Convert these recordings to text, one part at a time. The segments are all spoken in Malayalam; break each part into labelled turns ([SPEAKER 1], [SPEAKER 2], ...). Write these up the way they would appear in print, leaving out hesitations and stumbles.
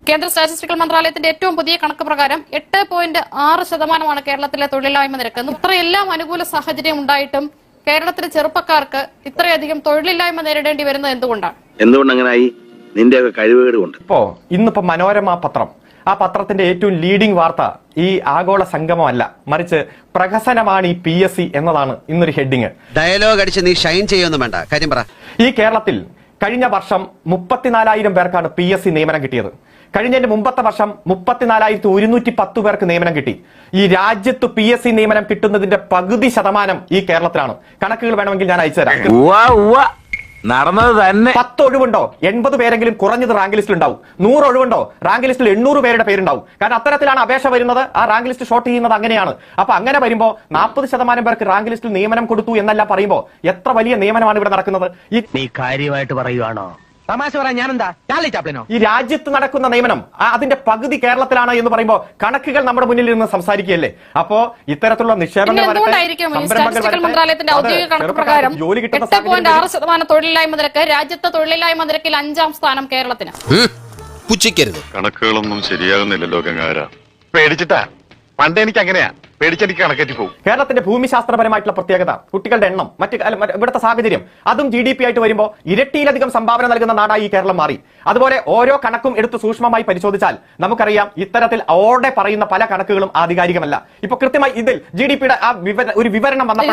[SPEAKER 1] കേന്ദ്ര സ്റ്റാറ്റിസ്റ്റിക്കൽ മന്ത്രാലയത്തിന്റെ ഏറ്റവും പുതിയ കണക്ക് പ്രകാരം 8.6% കേരളത്തിലെ തൊഴിലില്ലായ്മ നിരക്ക്. ഇത്രയെല്ലാം അനുകൂല സാഹചര്യം ഉണ്ടായിട്ടും കേരളത്തിലെ ചെറുപ്പക്കാർക്ക് ഇത്രയധികം തൊഴിലില്ലായ്മ നേരിടേണ്ടി വരുന്നത് എന്തുകൊണ്ടാണ്?
[SPEAKER 2] നിന്റെ കഴിവുകേട് കൊണ്ട്.
[SPEAKER 3] ഇന്നിപ്പോ മനോരമ പത്രം, ആ പത്രത്തിന്റെ ഏറ്റവും ലീഡിംഗ് വാർത്ത ഈ ആഗോള സംഗമമല്ല, മറിച്ച് പ്രഹസനമാണ് ഈ PSC എന്നതാണ് ഇന്നൊരു ഹെഡിങ്.
[SPEAKER 4] ഡയലോഗ് അടിച്ച് നീ ഷൈൻ ചെയ്യൊന്നും വേണ്ട, കാര്യം പറ.
[SPEAKER 3] ഈ കേരളത്തിൽ കഴിഞ്ഞ വർഷം 34,000 പേർക്കാണ് PSC നിയമനം കിട്ടിയത്. കഴിഞ്ഞതിന്റെ മുമ്പത്തെ വർഷം 34,110 പേർക്ക് നിയമനം കിട്ടി. ഈ രാജ്യത്ത് PSC നിയമനം കിട്ടുന്നതിന്റെ പകുതി ശതമാനം ഈ കേരളത്തിലാണ്. കണക്കുകൾ വേണമെങ്കിൽ ഞാൻ അയച്ചു തരാം.
[SPEAKER 2] നടന്നത് തന്നെ.
[SPEAKER 3] 10 ഒഴിവുണ്ടോ 80 പേരെങ്കിലും കുറഞ്ഞത് റാങ്ക് ലിസ്റ്റിൽ ഉണ്ടാവും. 100 ഒഴിവുണ്ടോ റാങ്ക് ലിസ്റ്റിൽ 800 പേരുടെ പേരുണ്ടാവും. കാരണം അത്തരത്തിലാണ് അപേക്ഷ വരുന്നത്. ആ റാങ്ക് ലിസ്റ്റ് ഷോർട്ട് ചെയ്യുന്നത് അങ്ങനെയാണ്. അപ്പൊ അങ്ങനെ വരുമ്പോ 40% പേർക്ക് റാങ്ക് ലിസ്റ്റിൽ നിയമനം കൊടുത്തു എന്നല്ല പറയുമ്പോ എത്ര വലിയ നിയമനമാണ് ഇവിടെ നടക്കുന്നത്?
[SPEAKER 5] നീ കാര്യമായിട്ട് പറയുവാണോ? തമാശ പറയാൻ ഞാനെന്താ ചാപ്ലിനോ?
[SPEAKER 3] ഈ രാജ്യത്ത് നടക്കുന്ന നിയമനം അതിന്റെ പകുതി കേരളത്തിലാണ് എന്ന് പറയുമ്പോ കണക്കുകൾ നമ്മുടെ മുന്നിൽ നിന്ന് സംസാരിക്കുകയല്ലേ. അപ്പോ ഇത്തരത്തിലുള്ള നിക്ഷേപങ്ങൾ
[SPEAKER 1] മന്ത്രാലയത്തിന്റെ ഔദ്യോഗിക കണക്ക് പ്രകാരം 8.6% തൊഴിലില്ലായ്മ നിരക്ക്. രാജ്യത്തെ തൊഴിലില്ലായ്മ നിരക്കിൽ 5ാം സ്ഥാനം കേരളത്തിന്.
[SPEAKER 4] പുച്ഛിക്കരുത്.
[SPEAKER 6] കണക്കുകളൊന്നും ശരിയാകുന്നില്ലല്ലോ ഗംഗാര. പേടിച്ചിട്ടാ. പണ്ട് എനിക്ക് അങ്ങനെയാ, പേടിച്ചെനിക്ക് കണക്കേറ്റി പോകും.
[SPEAKER 3] കേരളത്തിന്റെ ഭൂമിശാസ്ത്രപരമായിട്ടുള്ള പ്രത്യേകത, കുട്ടികളുടെ എണ്ണം, ഇവിടുത്തെ സാഹചര്യം, അതും GDP ആയിട്ട് വരുമ്പോൾ ഇരട്ടിയിലധികം സംഭാവന നൽകുന്ന നാടായി ഈ കേരളം മാറി. അതുപോലെ ഓരോ കണക്കും എടുത്ത് സൂക്ഷ്മമായി പരിശോധിച്ചാൽ നമുക്കറിയാം ഇത്തരത്തിൽ ഓടെ പറയുന്ന പല കണക്കുകളും ആധികാരികമല്ല. ഇപ്പൊ കൃത്യമായി ഇതിൽ GDP-യുടെ ആ ഒരു വിവരണം വന്നപ്പോൾ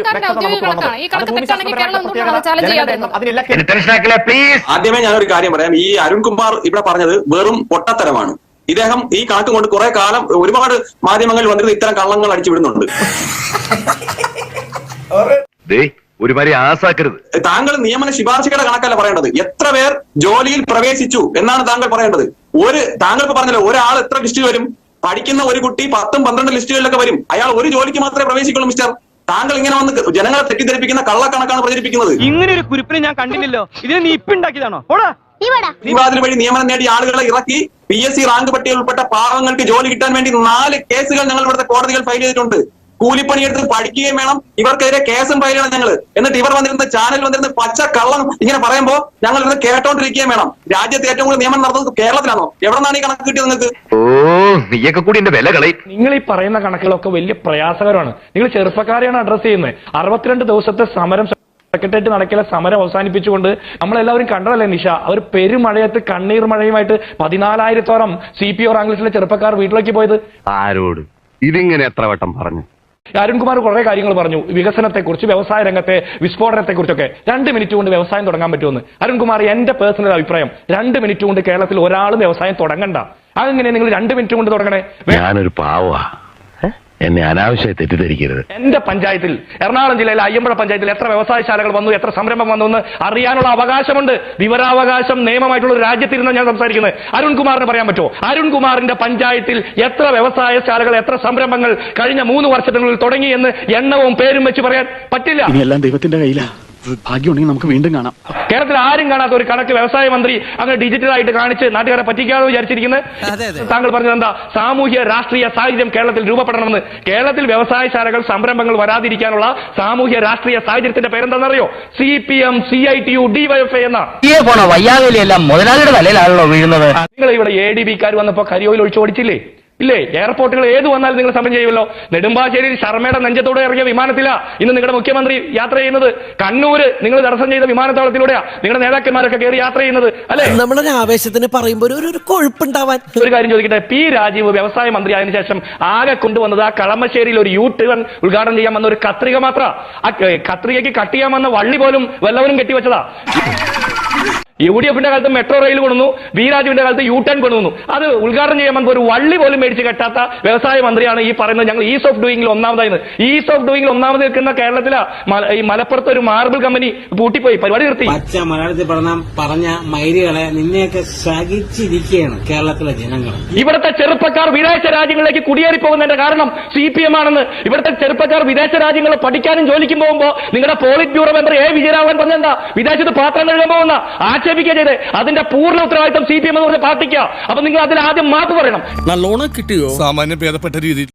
[SPEAKER 7] ആദ്യമേ ഞാനൊരു കാര്യം പറയാം. ഈ അരുൺകുമാർ ഇവിടെ പറഞ്ഞത് വെറും പൊട്ടത്തരമാണ്. ഇദ്ദേഹം ഈ കണക്ക് കൊണ്ട് കുറെ കാലം ഒരുപാട് മാധ്യമങ്ങളിൽ വന്നിരുന്ന ഇത്തരം കള്ളങ്ങൾ അടിച്ചു വിടുന്നുണ്ട്.
[SPEAKER 6] ഒരുമാതിരി ആസാക്കരുത്.
[SPEAKER 7] താങ്കൾ നിയമന ശുപാർശയുടെ കണക്കല്ല പറയേണ്ടത്. എത്ര പേർ ജോലിയിൽ പ്രവേശിച്ചു എന്നാണ് താങ്കൾ പറയേണ്ടത്. താങ്കൾ ഇപ്പൊ പറഞ്ഞല്ലോ ഒരാൾ എത്ര ലിസ്റ്റിൽ വരും? പഠിക്കുന്ന ഒരു കുട്ടി 10, 12 ലിസ്റ്റുകളിലൊക്കെ വരും. അയാൾ ഒരു ജോലിക്ക് മാത്രമേ പ്രവേശിക്കുള്ളൂ. മിസ്റ്റർ, താങ്കൾ ഇങ്ങനെ വന്ന് ജനങ്ങളെ തെറ്റിദ്ധരിപ്പിക്കുന്ന കള്ളക്കണക്കാണ് പ്രചരിപ്പിക്കുന്നത്.
[SPEAKER 5] ഇങ്ങനെ ഒരു കുരിപ്പിനെ ഞാൻ കണ്ടില്ലല്ലോ. ഇതിനെ നീ ഇപ്പൊ ഉണ്ടാക്കിയതാണോ?
[SPEAKER 7] വിവാദത്തിന് വഴി നിയമനം നേടിയ ആളുകളെ ഇറക്കി PSC റാങ്ക് പട്ടികയിൽ ഉൾപ്പെട്ട പാവങ്ങൾക്ക് ജോലി കിട്ടാൻ വേണ്ടി 4 കേസുകൾ ഞങ്ങൾ ഇവിടുത്തെ കോടതികൾ ഫയൽ ചെയ്തിട്ടുണ്ട്. കൂലിപ്പണിയെടുത്ത് പഠിക്കുകയും വേണം, ഇവർക്കെതിരെ കേസും ഫയൽ ചെയ്യണം ഞങ്ങൾ. എന്നിട്ട് ഇവർ വന്നിരുന്ന ചാനൽ വന്നിരുന്ന പച്ച കള്ളം ഇങ്ങനെ പറയുമ്പോൾ ഞങ്ങൾ ഇത് കേട്ടോണ്ടിരിക്കുകയും വേണം. രാജ്യത്ത് ഏറ്റവും കൂടുതൽ നിയമനം നടന്നത് കേരളത്തിലാണോ? എവിടെ നിന്നാണ് ഈ കണക്ക് കിട്ടിയത് നിങ്ങൾക്ക്?
[SPEAKER 6] നീയൊക്കെ കൂടി എന്റെ വില കളയും.
[SPEAKER 8] നിങ്ങൾ ഈ പറയുന്ന കണക്കുകളൊക്കെ വലിയ പ്രയാസകരമാണ്. നിങ്ങൾ ചെറുപ്പക്കാരെയാണ് അഡ്രസ് ചെയ്യുന്നത്. 62 ദിവസത്തെ സമരം സെക്രട്ടേറിയറ്റ് നടക്കില്ല സമരം അവസാനിപ്പിച്ചുകൊണ്ട് നമ്മളെല്ലാവരും കണ്ടതല്ലേ നിഷ? അവർ പെരുമഴയത്ത് കണ്ണീർ മഴയുമായിട്ട് 14,000-ഓളം CPO റാങ്ക് ലിസ്റ്റിലെ ചെറുപ്പക്കാർ വീട്ടിലേക്ക് പോയത്.
[SPEAKER 6] ആരോട് ഇതിങ്ങനെ എത്ര വട്ടം പറഞ്ഞു?
[SPEAKER 8] അരുൺകുമാർ കുറെ കാര്യങ്ങൾ പറഞ്ഞു, വികസനത്തെക്കുറിച്ച്, വ്യവസായ രംഗത്തെ വിസ്ഫോടനത്തെക്കുറിച്ചൊക്കെ. 2 മിനിറ്റ് കൊണ്ട് വ്യവസായം തുടങ്ങാൻ പറ്റുമെന്ന്. അരുൺകുമാർ, എന്റെ പേഴ്സണൽ അഭിപ്രായം 2 മിനിറ്റ് കൊണ്ട് കേരളത്തിൽ ഒരാളും വ്യവസായം തുടങ്ങണ്ട. അതെങ്ങനെ നിങ്ങൾ 2 മിനിറ്റ് കൊണ്ട് തുടങ്ങണേ?
[SPEAKER 6] ഞാനൊരു പാവാ, എന്നെ അനാവശ്യമായി തെറ്റിദ്ധരിക്കരുത്.
[SPEAKER 8] എന്റെ പഞ്ചായത്തിൽ, എറണാകുളം ജില്ലയിലെ അയ്യമ്പുഴ പഞ്ചായത്തിൽ എത്ര വ്യവസായശാലകൾ വന്നു, എത്ര സംരംഭം വന്നു എന്ന് അറിയാനുള്ള അവകാശമുണ്ട്. വിവരാവകാശം നിയമമായിട്ടുള്ള ഒരു രാജ്യത്തിരുന്ന് ഞാൻ സംസാരിക്കുന്നത്. അരുൺകുമാറിന് പറയാൻ പറ്റുമോ? അരുൺകുമാറിന്റെ പഞ്ചായത്തിൽ എത്ര വ്യവസായശാലകൾ, എത്ര സംരംഭങ്ങൾ കഴിഞ്ഞ 3 വർഷത്തിനുള്ളിൽ തുടങ്ങി എന്ന് എണ്ണവും പേരും വെച്ച് പറയാൻ പറ്റില്ല.
[SPEAKER 9] ഇനിയെല്ലാം ദൈവത്തിന്റെ കയ്യിലാ. ഭാഗ്യമുണ്ടെങ്കിൽ നമുക്ക് വീണ്ടും കാണാം.
[SPEAKER 8] കേരളത്തിൽ ആരും കാണാത്ത ഒരു കണക്ക് വ്യവസായ മന്ത്രി അങ്ങനെ ഡിജിറ്റലായിട്ട് കാണിച്ച് നാട്ടുകാരെ പറ്റിക്കാതെ വിചാരിച്ചിരിക്കുന്നത്. താങ്കൾ പറഞ്ഞത് എന്താ? സാമൂഹ്യ രാഷ്ട്രീയ സാഹചര്യം കേരളത്തിൽ രൂപപ്പെടണമെന്ന്. കേരളത്തിൽ വ്യവസായശാലകൾ, സംരംഭങ്ങൾ വരാതിരിക്കാനുള്ള സാമൂഹ്യ രാഷ്ട്രീയ സാഹചര്യത്തിന്റെ പേരെന്താണെന്നറിയോ? CPM, CITU, DYFI എന്ന
[SPEAKER 5] വയ്യാതെല്ലാം മുതലാളിയുടെ തലയിലാണല്ലോ വീഴുന്നത്.
[SPEAKER 8] നിങ്ങൾ ഇവിടെ ADB-ക്കാർ വന്നപ്പോ കരിയോയിൽ ഒഴിച്ചു ഓടിച്ചില്ലേ? ഇല്ലേ? എയർപോർട്ടുകൾ ഏത് വന്നാലും നിങ്ങൾ സമരം ചെയ്യുമല്ലോ. നെടുമ്പാശ്ശേരിയിൽ ശർമ്മയുടെ നെഞ്ചത്തോടെ ഇറങ്ങിയ വിമാനത്തിലാ ഇന്ന് നിങ്ങളുടെ മുഖ്യമന്ത്രി യാത്ര ചെയ്യുന്നത്. കണ്ണൂര് നിങ്ങൾ തടസ്സം ചെയ്ത വിമാനത്താവളത്തിലൂടെയാ നിങ്ങളുടെ നേതാക്കന്മാരൊക്കെ കയറി യാത്ര ചെയ്യുന്നത്, അല്ലെ?
[SPEAKER 10] നമ്മളൊരു ആവേശത്തിന് പറയുമ്പോൾ ഒരു കൊഴുപ്പുണ്ടാവാൻ.
[SPEAKER 8] ഒരു കാര്യം ചോദിക്കട്ടെ, P. രാജീവ് വ്യവസായ മന്ത്രി ആയതിനു ശേഷം ആകെ കൊണ്ടുവന്നത് ആ കളമശ്ശേരിയിൽ ഒരു U-ടേൺ ഉദ്ഘാടനം ചെയ്യാൻ വന്ന ഒരു കത്രിക മാത്ര. ആ കത്രികയ്ക്ക് കട്ട് ചെയ്യാൻ വന്ന വള്ളി പോലും വല്ലവരും കെട്ടിവെച്ചതാ. UDF-ന്റെ കാലത്ത് മെട്രോ റെയിൽ കൊണ്ടുവന്നു, V. രാജുവിന്റെ കാലത്ത് U-ടേൺ കൊണ്ടുവന്നു. അത് ഉദ്ഘാടനം ചെയ്യാൻ വന്നപ്പോൾ ഒരു വള്ളി പോലും മേടിച്ച് കെട്ടാത്ത വ്യവസായ മന്ത്രിയാണ് ഈ പറയുന്നത് ഞങ്ങൾ ഈസ് ഓഫ് ഡൂയിങ്ങിൽ ഒന്നാമതായിരുന്നു. ഈസ് ഓഫ് ഡൂയിങ്ങിൽ ഒന്നാമത് നിൽക്കുന്ന കേരളത്തിലെ ഈ മലപ്പുറത്ത് ഒരു മാർബിൾ കമ്പനി പൂട്ടിപ്പോയി, പരിപാടി നിർത്തി.
[SPEAKER 11] പച്ച മലയാളത്തിൽ പറഞ്ഞ മൈരികളെ നിന്നെയൊക്കെ സഹിച്ചിരിക്കുകയാണ് കേരളത്തിലെ ജനങ്ങൾ.
[SPEAKER 8] ഇവിടുത്തെ ചെറുപ്പക്കാർ വിദേശ രാജ്യങ്ങളിലേക്ക് കുടിയേറി പോകുന്നതിന്റെ കാരണം CPM ആണെന്ന്. ഇവിടുത്തെ ചെറുപ്പക്കാർ വിദേശ രാജ്യങ്ങളിൽ പഠിക്കാനും ജോലിക്കും പോകുമ്പോൾ നിങ്ങളുടെ polit bureau member A. Vijayaraghavan പറഞ്ഞെന്താ? വിദേശത്ത് പാത്രം കഴുകാൻ പോകുന്ന ചെയ്ത് അതിന്റെ പൂർണ്ണ ഉത്തരവാദിത്വം CPM എന്ന് പറഞ്ഞ പാർട്ടിക്കാ. അപ്പൊ നിങ്ങൾ അതിൽ ആദ്യം മാപ്പ് പറയണം.
[SPEAKER 9] നല്ലോണം കിട്ടിയോ? സാമാന്യം ഭേദപ്പെട്ട രീതിയിൽ.